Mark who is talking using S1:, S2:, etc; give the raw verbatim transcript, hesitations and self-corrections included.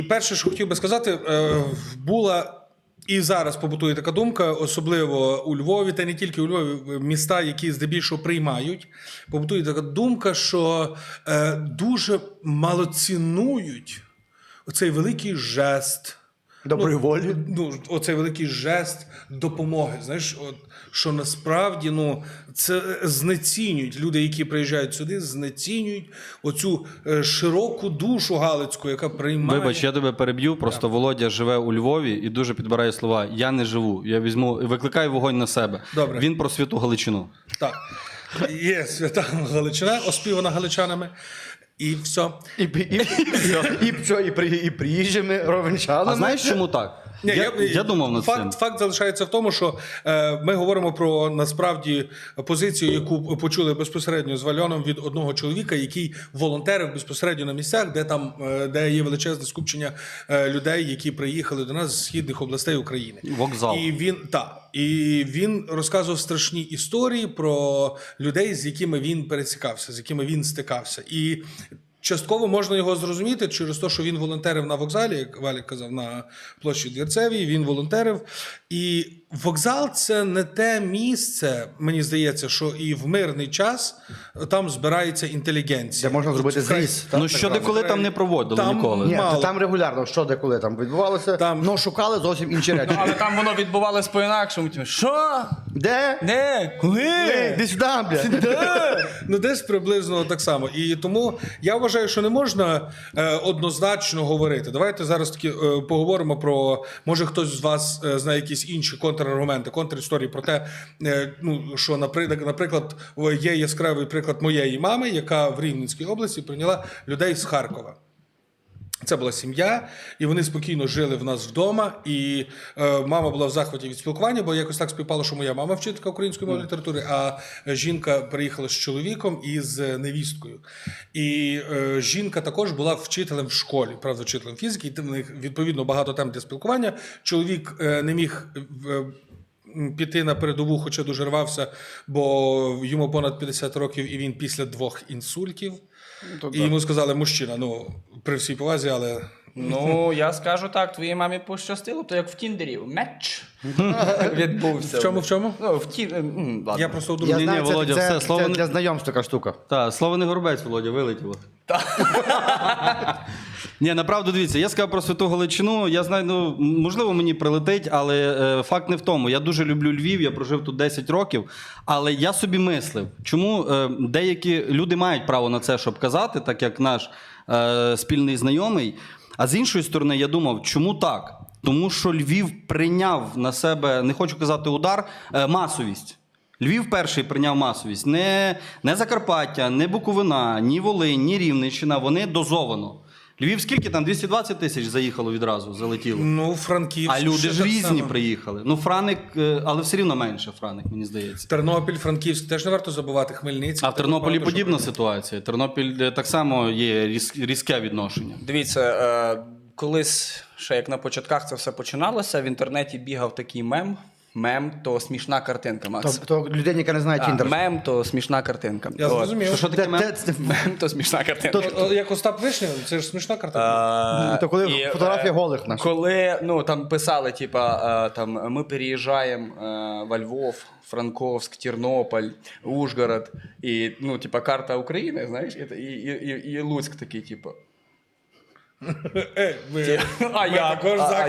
S1: Перше, що хотів би сказати, була і зараз побутує така думка, особливо у Львові, та не тільки у Львові, міста, які здебільшого приймають, побутує така думка, що дуже мало цінують оцей великий жест.
S2: Доброї волі.
S1: Ну, оцей великий жест допомоги. Знаєш, от, що насправді ну, це знецінюють люди, які приїжджають сюди, знецінюють оцю е, широку душу галицьку, яка приймає.
S3: Вибач, я тебе переб'ю. Просто Володя живе у Львові і дуже підбирає слова. Я не живу. Я візьму, викликаю вогонь на себе.
S1: Добре.
S3: Він про святу Галичину.
S1: Так. Є свята Галичина, оспівана галичанами. І все.
S2: І, і, і, і, і, що, і, при, і приїжджими ровенчанами.
S3: А знаєш, чому так?
S1: Ні,
S3: я, я, я думав над
S1: факт,
S3: цим.
S1: Факт залишається в тому, що е, ми говоримо про насправді позицію, яку почули безпосередньо з Вальоном від одного чоловіка, який волонтерив безпосередньо на місцях, де там е, де є величезне скупчення е, людей, які приїхали до нас з східних областей України.
S3: Вокзал.
S1: І він та і він розказував страшні історії про людей, з якими він пересікався, з якими він стикався. І частково можна його зрозуміти через те, що він волонтерив на вокзалі, як Валік казав, на площі Двірцевій, він волонтерив. І вокзал – це не те місце, мені здається, що і в мирний час там збирається інтелігенція.
S2: Де можна зробити зріз.
S3: Ну, що деколи там не проводили
S1: Там
S3: ніколи.
S2: Ні,
S1: мало.
S2: там регулярно, що деколи там відбувалося,
S1: Там-
S2: ну шукали зовсім інші речі.
S4: Але там воно відбувалось по-інакшому. Типу, що?
S2: Де?
S4: Де? Коли?
S2: Де сюди, бля.
S1: Ну, десь приблизно так само. І тому я вважаю, що не можна е, однозначно говорити. Давайте зараз таки е, поговоримо про, може хтось з вас е, знає якісь інші контраргументи, контрісторії про те, е, ну, що, наприклад, наприклад, є яскравий приклад моєї мами, яка в Рівненській області прийняла людей з Харкова. Це була сім'я, і вони спокійно жили в нас вдома. І е, мама була в захваті від спілкування, бо якось так співпало, що моя мама вчителька української мови літератури, а жінка приїхала з чоловіком і з невісткою. І е, жінка також була вчителем в школі, правда, вчителем фізики, і в них відповідно багато тем для спілкування. Чоловік е, не міг е, піти на передову, хоча дуже рвався, бо йому понад п'ятдесят років, і він після двох інсультів. І йому сказали, мужчина, ну, при всій повазі, але...
S4: Ну, я скажу так, твоїй мамі пощастило, то як в Тіндері, меч відбувся.
S1: В чому, в чому?
S4: Ну, в ті... м, ладно.
S1: Я просто
S2: Я
S1: одружений.
S3: Ні,
S2: знаю,
S3: ні,
S2: це,
S3: Володя,
S2: це,
S3: все,
S2: це,
S3: слово не-
S2: для знайомств така штука.
S3: Так, слово не горобець, Володя, вилетіло. Ні, направду, дивіться, я сказав про святу Галичину, я знаю, ну, можливо, мені прилетить, але е, факт не в тому. Я дуже люблю Львів, я прожив тут десять років, але я собі мислив, чому е, деякі люди мають право на це, щоб казати, так як наш е, спільний знайомий, а з іншої сторони, я думав, чому так? Тому що Львів прийняв на себе, не хочу казати удар, е, масовість. Львів перший прийняв масовість. Не, не Закарпаття, не Буковина, ні Волинь, ні Рівненщина, вони дозовано. Львів скільки там? двісті двадцять тисяч заїхало відразу, залетіло.
S1: Ну, Франківськ.
S3: А люди
S1: ще
S3: ж
S1: так
S3: різні
S1: само.
S3: приїхали. Ну, Франик, е, але все рівно менше Франик, мені здається.
S1: Тернопіль, Франківськ, теж не варто забувати, Хмельницький.
S3: А в Тернополі
S1: Багато що
S3: подібна
S1: прийняли.
S3: ситуація. Тернопіль е, так само є різ- різке відношення.
S4: Дивіться, е, колись, ще як на початках це все починалося, в інтернеті бігав такий мем. Мем – то смішна картинка, Макс.
S2: Тобто людині, яка не знає
S4: А,
S2: Тіндер.
S4: мем – то смішна картинка.
S1: Я
S4: От.
S1: зрозумів.
S3: Що, що таке мем?
S2: Де- де-
S4: Мем – то смішна картинка.
S1: О, о, Як Остап Вишня, це ж смішна картина.
S4: А,
S2: То коли
S4: і,
S2: фотографія
S4: е,
S2: голих наших.
S4: Коли ну, там писали, типа, е, там, ми переїжджаємо е, во Львов, Франковськ, Тернопіль, Ужгород, і, ну, типа, карта України, знаєш, і, і, і, і Луцьк такий, типу.
S1: Е, ви-
S4: А
S1: ми
S4: я,
S1: також
S4: а-
S1: за